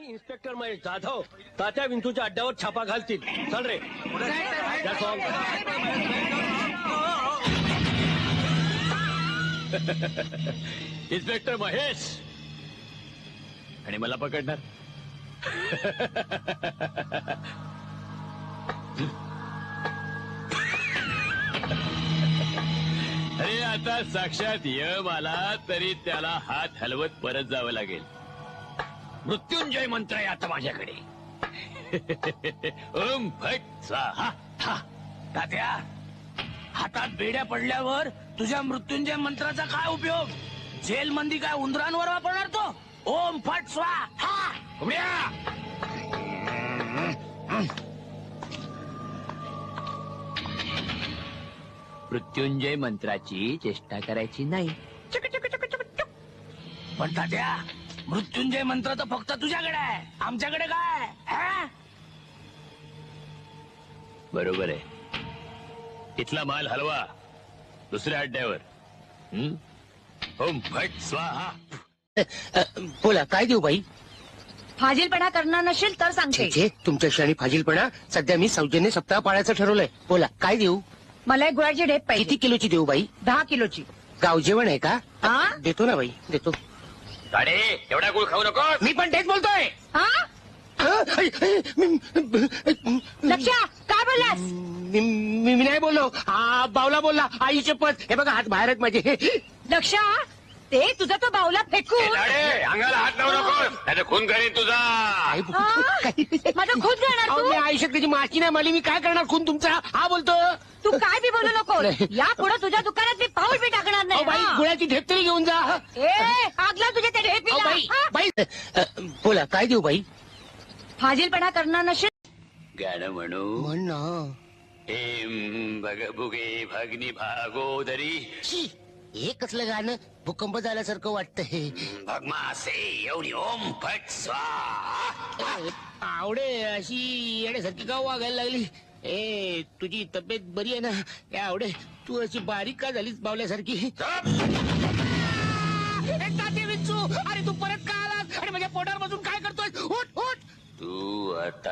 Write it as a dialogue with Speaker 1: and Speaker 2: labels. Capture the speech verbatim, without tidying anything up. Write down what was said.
Speaker 1: Inspector Mahesh Jadhav Tatya विंचूच्या अड्ड्यावर छापा घालतील. चल रे. That's all. इन्स्पेक्टर महेश आणि मला पकडणार. अरे आता साक्षात यम आला तरी त्याला हात हलवत परत जावं लागेल. मृत्युंजय मंत्र आहे आता माझ्याकडे. ओम फट स्वाहा.
Speaker 2: हा तात्या, हातात बेड्या पडल्यावर तुझ्या मृत्युंजय मंत्राचा काय उपयोग? जेल मंदी काय उंदरांवर वापरणार तो? ओम फट स्वाहा.
Speaker 1: उड्या.
Speaker 3: मृत्युंजय मंत्राची चेष्टा करायची नाही.
Speaker 2: पण तात्या, मृत्युंजय मंत्र तर फक्त तुझ्याकडे आहे, आमच्याकडे काय? हा?
Speaker 1: बरोबर आहे. इथला माल हलवा दुसऱ्या अड्ड्यावर. हं? ओम फट स्वाहा.
Speaker 4: बोला काय देऊ बाई?
Speaker 5: फाजीलपणा करणार नसेल तर सांगते.
Speaker 4: छे, तुमच्याशी आणि फाजीलपणा. सध्या मी सौजन्य सप्ताह पाळायचं ठरवलंय. बोला काय देऊ?
Speaker 5: मला एक गुळाची ढेप
Speaker 4: किती
Speaker 5: पाहिजे.
Speaker 4: किलोची देऊ बाई?
Speaker 5: दहा किलोची.
Speaker 4: गाव जेवण आहे का?
Speaker 5: हा?
Speaker 4: देतो ना बाई, देतो.
Speaker 1: साडे एवढा गुळ खाऊ नको.
Speaker 4: मी पण तेच बोलतोय.
Speaker 5: हा? लक्ष्या काय बोललास?
Speaker 4: मी मी- मी नाही बोललो. हा बावला बोलला. आई शपथ. हे बघा हात बाहेर आहेत माझे.
Speaker 5: लक्ष्या ते तुझा तो बावला फेकून
Speaker 1: साडे अंगाला हात लावू नको नाही खून करीन तुझा.
Speaker 4: आई,
Speaker 5: हा?
Speaker 4: काय-
Speaker 5: माझा खून करणार
Speaker 4: अहो,
Speaker 5: तू?
Speaker 4: मी आयुष्यात त्याची माची नाही मारली. मी काय करणार खून तुमचा? हा बोलतो.
Speaker 5: तू काय बी बोलू नको.
Speaker 4: नाही.
Speaker 5: या पुढे तुझ्या दुकानात मी पाऊल बी टाकणार
Speaker 4: अहो
Speaker 5: नाही.
Speaker 4: बाई,
Speaker 5: हा?
Speaker 4: गुळाची ढेप तरी घेऊन जा.
Speaker 5: ए आगला तुझ्या त्या
Speaker 4: अहो
Speaker 5: ढेपीला.
Speaker 4: बाई,
Speaker 5: हा?
Speaker 4: बाई अ, बोला काय देऊ बाई?
Speaker 5: फाजीलपणा करणार नसेल.
Speaker 1: गाणं म्हणू.
Speaker 4: म्हण ना.
Speaker 1: हेम भग भुगे भगनी भागोदरी
Speaker 4: छी, हे कसलं गाणं? भूकंप झाल्यासारखं वाटतंय.
Speaker 1: भगमासे एवढी ओम फट स्वाहा.
Speaker 4: आवडे अशी येण्यासारखी का वागायला लागली? ए तुझी तब्येत बरी आहे ना? ए आवडे तू अशी बारीक का झालीस बावल्यासारखी? ए, तात्या विंचू, अरे तू परत का आलास? आणि माझ्या पोटावर बसून काय करतोय? उठ उठ.
Speaker 1: तू आता